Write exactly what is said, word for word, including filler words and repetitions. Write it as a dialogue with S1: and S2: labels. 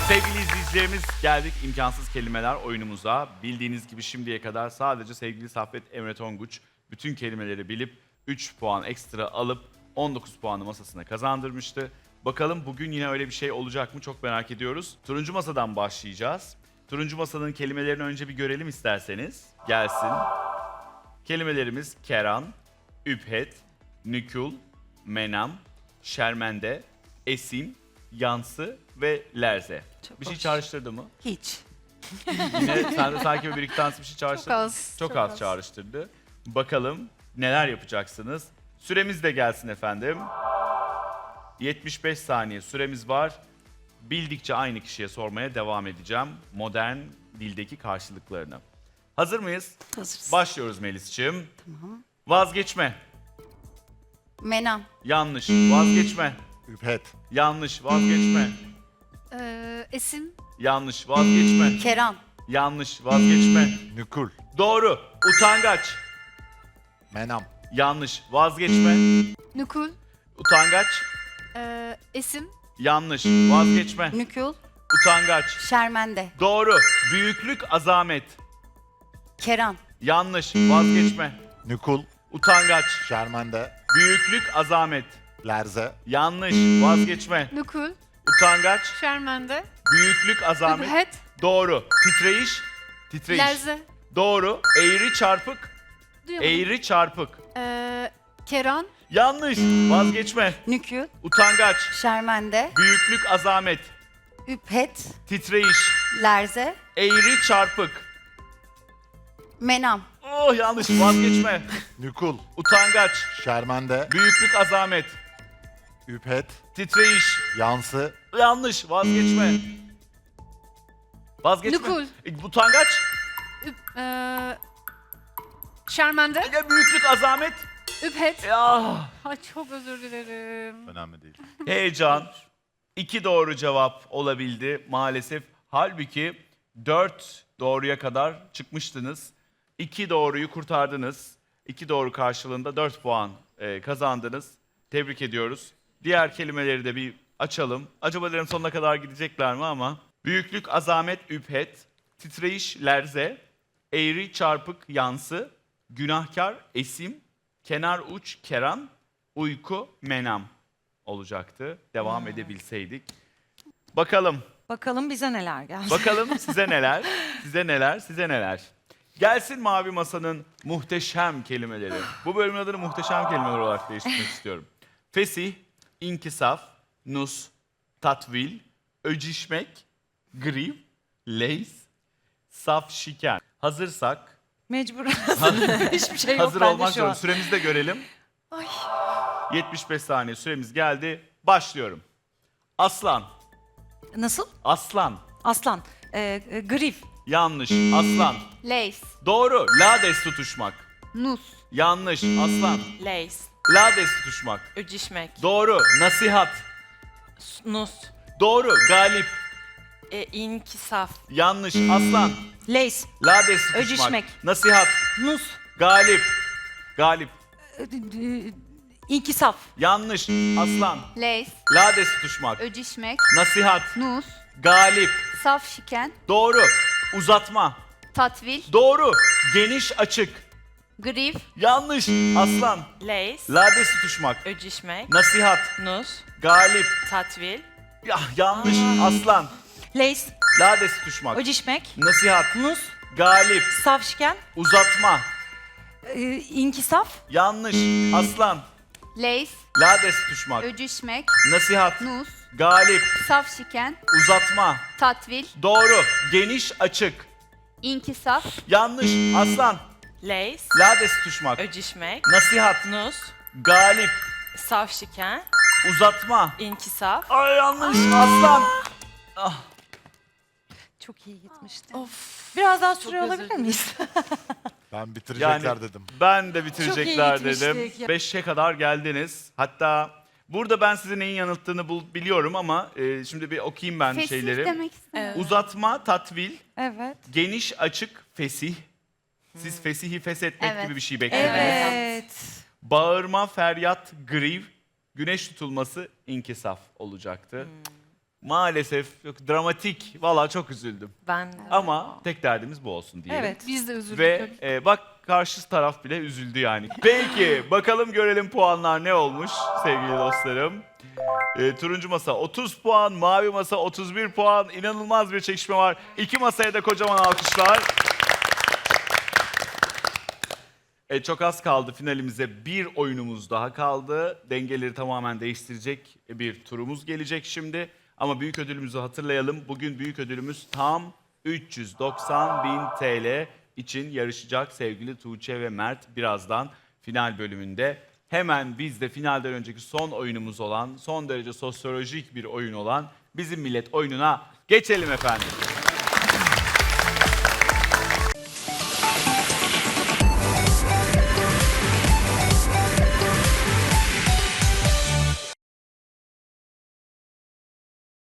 S1: Sevgili izleyicilerimiz, geldik imkansız kelimeler oyunumuza. Bildiğiniz gibi şimdiye kadar sadece sevgili Saffet Emre Tonguç bütün kelimeleri bilip üç puan ekstra alıp on dokuz puanı masasına kazandırmıştı. Bakalım bugün yine öyle bir şey olacak mı çok merak ediyoruz. Turuncu masadan başlayacağız. Turuncu masanın kelimelerini önce bir görelim isterseniz. Gelsin. Kelimelerimiz keran, üphet, nükul, menam, şermende, esim, yansı ve lerze.
S2: Çok
S1: bir şey
S2: hoş.
S1: çağrıştırdı mı?
S2: Hiç.
S1: Yine sende sanki bir iki tanesi bir şey çağrıştırdı.
S3: Çok az.
S1: Çok, az, çağrıştırdı. Bakalım neler yapacaksınız? Süremiz de gelsin efendim. yetmiş beş saniye süremiz var. Bildikçe aynı kişiye sormaya devam edeceğim. Modern dildeki karşılıklarını. Hazır mıyız?
S2: Hazırız.
S1: Başlıyoruz Melis'ciğim. Vazgeçme.
S2: Menam.
S1: Yanlış. Vazgeçme.
S4: Üphet.
S1: Yanlış. Vazgeçme.
S3: Ee, esim,
S1: Yanlış. Vazgeçme.
S2: Keran.
S1: Yanlış. Vazgeçme.
S4: Nükul.
S1: Doğru. Utangaç.
S4: Menam.
S1: Yanlış. Vazgeçme.
S3: nükul,
S1: Utangaç.
S3: ee, esim,
S1: Yanlış. Vazgeçme.
S2: Nükul.
S1: Utangaç.
S2: Şermende.
S1: Doğru. Büyüklük, azamet.
S2: Keran.
S1: Yanlış. Vazgeçme.
S4: Nükul.
S1: Utangaç.
S4: Şermende.
S1: Büyüklük, azamet.
S4: Lerze.
S1: Yanlış. Vazgeçme.
S3: nükul,
S1: Utangaç.
S3: şermende,
S1: Büyüklük, azamet.
S3: üphet,
S1: Doğru. Titreyiş. Titreyiş.
S3: lerze,
S1: Doğru. Eğri, çarpık.
S3: duyamadım.
S1: Eğri, çarpık.
S3: Ee, keran,
S1: Yanlış. Vazgeçme.
S2: Nükül.
S1: Utangaç.
S2: Şermende.
S1: Büyüklük, azamet.
S2: Üphet.
S1: Titreyiş.
S2: Lerze.
S1: Eğri, çarpık.
S2: Menam.
S1: Oh yanlış. Vazgeçme.
S4: Nükul.
S1: Utangaç.
S4: Şermende.
S1: Büyüklük, azamet.
S4: Üphet.
S1: Titreyiş.
S4: Yansı.
S1: Yanlış. Vazgeçme. Vazgeçme.
S3: Nükul.
S1: E, Utangaç.
S3: üp, ee, şermende,
S1: Ya büyüklük, azamet.
S3: üphet.
S1: Ya.
S3: Ay çok özür dilerim.
S4: Önemli değil.
S1: Heyecan. İki doğru cevap olabildi maalesef. Halbuki dört doğruya kadar çıkmıştınız. İki doğruyu kurtardınız. İki doğru karşılığında dört puan e, kazandınız. Tebrik ediyoruz. Diğer kelimeleri de bir açalım. Acaba derim sonuna kadar gidecekler mi ama. Büyüklük, azamet, üphet, titreyiş, lerze, eğri, çarpık, yansı, günahkar, esim, kenar uç, keran, uyku, menam olacaktı. Devam edebilseydik. Bakalım.
S2: Bakalım bize neler geldi.
S1: Bakalım size neler, size neler, size neler. Gelsin Mavi Masa'nın muhteşem kelimeleri. Bu bölümün adını muhteşem kelimeler olarak değiştirmek istiyorum. Fesih, inkisaf, nus, tatvil, öcişmek, griv, leys, saf şiken. Hazırsak,
S2: Mecbur. Hiçbir şey yok
S1: hazır
S2: bende
S1: olmak
S2: şu
S1: zorunda.
S2: an.
S1: Süremizi de görelim.
S2: Ay.
S1: yetmiş beş saniye süremiz geldi. Başlıyorum. Aslan,
S2: Nasıl?
S1: aslan.
S2: Aslan. Ee, e, grif.
S1: Yanlış. Aslan.
S3: Leys,
S1: Doğru. Lades tutuşmak.
S3: nus,
S1: Yanlış. Aslan.
S5: Leys,
S1: Lades tutuşmak.
S5: öcişmek,
S1: Doğru. Nasihat.
S5: nus,
S1: Doğru. Galip.
S5: e, inkisaf,
S1: Yanlış. Aslan.
S2: Leys.
S1: Lades tutuşmak.
S2: Öcişmek.
S1: Nasihat.
S2: Nus.
S1: Galip. Galip.
S2: e, e, İnkisaf.
S1: Yanlış. Aslan.
S3: leys,
S1: Lades tutuşmak.
S3: öcişmek,
S1: Nasihat.
S3: nus,
S1: Galip.
S3: saf şiken,
S1: Doğru. Uzatma.
S3: tatvil,
S1: Doğru. Geniş açık.
S3: grif,
S1: Yanlış. Aslan.
S5: leys,
S1: Lades tutuşmak.
S5: öcişmek,
S1: Nasihat.
S5: nus,
S1: Galip.
S5: tatvil,
S1: Ya yanlış. Aslan.
S2: Leys.
S1: Lades tutuşmak.
S2: Öcişmek.
S1: Nasihat.
S2: Nus.
S1: Galip.
S2: Safşiken.
S1: Uzatma.
S2: e, İnkisaf.
S1: Yanlış. Aslan.
S3: leys,
S1: Lades tutuşmak.
S3: öcişmek,
S1: Nasihat.
S3: nus,
S1: Galip.
S3: saf şiken,
S1: Uzatma.
S3: tatvil,
S1: Doğru. Geniş açık.
S3: inkisaf,
S1: Yanlış. Aslan.
S5: leys,
S1: Lades tutuşmak.
S5: öcişmek,
S1: Nasihat.
S5: nus,
S1: Galip.
S5: safşiken,
S1: Uzatma.
S5: inkisaf,
S1: Ay yanlış. Aslan.
S2: Çok iyi gitmişti.
S5: of,
S2: Biraz daha süre
S5: özür
S2: alabilir miyiz?
S4: Ben bitirecekler
S1: Yani
S4: dedim.
S1: ben de bitirecekler
S2: Çok iyi
S1: dedim.
S2: gitmiştik.
S1: Beşe kadar geldiniz. Hatta burada ben sizi neyin yanılttığını bul- biliyorum ama e, şimdi bir okuyayım ben
S3: fesih
S1: şeyleri.
S3: demek istedim.
S5: Evet.
S1: Uzatma, tatvil,
S2: Evet.
S1: geniş açık, fesih. Siz fesihi feshetmek
S3: Evet.
S1: gibi bir şey bekliyorsunuz.
S2: Evet.
S1: Bağırma, feryat, griv, güneş tutulması, inkisaf olacaktı. Maalesef yok, dramatik. Valla çok üzüldüm.
S5: Ben
S1: Ama tek derdimiz bu olsun diyelim.
S2: Evet.
S6: Biz de üzüldük.
S1: Ve e, bak karşı taraf bile üzüldü yani. Peki bakalım görelim puanlar ne olmuş sevgili dostlarım. E, turuncu masa otuz puan, mavi masa otuz bir puan. İnanılmaz bir çekişme var. İki masaya da kocaman alkışlar. E, çok az kaldı finalimize. Bir oyunumuz daha kaldı. Dengeleri tamamen değiştirecek bir turumuz gelecek şimdi. Ama büyük ödülümüzü hatırlayalım. Bugün büyük ödülümüz tam üç yüz doksan bin T L için yarışacak sevgili Tuğçe ve Mert birazdan final bölümünde. Hemen biz de finalden önceki son oyunumuz olan, son derece sosyolojik bir oyun olan Bizim Millet oyununa geçelim efendim.